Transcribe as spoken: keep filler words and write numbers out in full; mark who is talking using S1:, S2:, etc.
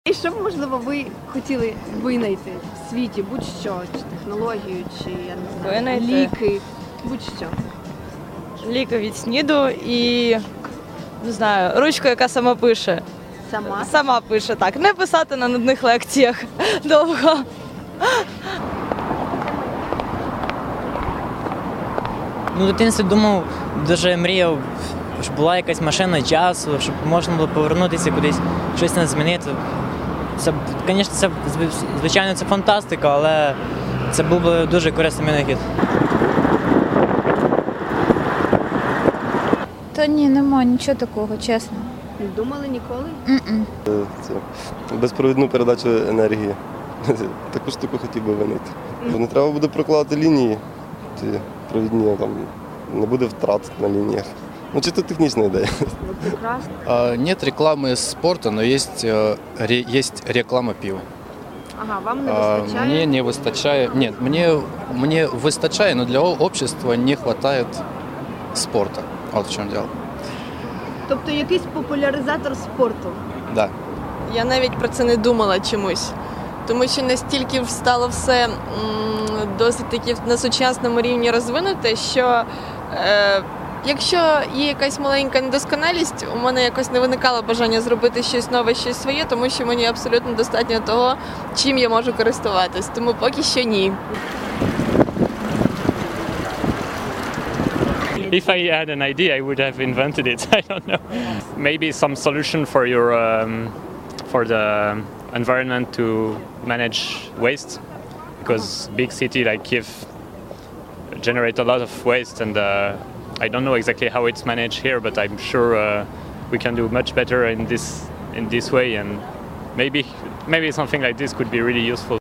S1: І що б, можливо, ви хотіли винайти в світі, будь-що, чи технологію, чи я не знаю,
S2: Винайти?
S1: ліки, будь-що.
S2: Ліки від СНІДу і, не знаю, ручку, яка сама пише.
S1: Сама?
S2: Сама пише, так. Не писати на нудних лекціях довго.
S3: Ну, в дитинстві думав, дуже мріяв, щоб була якась машина часу, щоб можна було повернутися кудись, щось не змінити. Це, звісно, це, звичайно, це фантастика, але це був би дуже корисний винахід.
S4: Та ні, нема нічого такого, чесно.
S1: Не думали ніколи?
S4: М-м.
S5: Це безпровідну передачу енергії. Таку штуку хотів би винайти. Бо не треба буде прокладати лінії, ті провідні, там не буде втрат на лініях. Ну, чисто технічна ідея.
S1: Ну, прекрасно.
S6: А, Нет рекламы спорта, но есть, э, ре- есть реклама пива.
S1: Ага, вам не
S6: А,
S1: вистачає?
S6: Мне не выстачает, нет, мне, мне выстачает, но для о- общества не хватает спорта. Вот в чем дело.
S1: Тобто якийсь популяризатор спорту.
S6: Да.
S7: Я навіть про це не думала чомусь, тому що настільки стало все м, досить таки на сучасному рівні розвинуте, що е, якщо є якась маленька недосконалість, у мене якось не виникало бажання зробити щось нове, щось своє, тому що мені абсолютно достатньо того, чим я можу користуватись. Тому поки що ні.
S8: If I had an idea, I would have invented it. I don't know. Maybe some solution for your um, for the environment to manage waste, because big city like Kiev generate a lot of waste, and uh, I don't know exactly how it's managed here, but I'm sure uh, we can do much better in this in this way, and maybe maybe something like this could be really useful.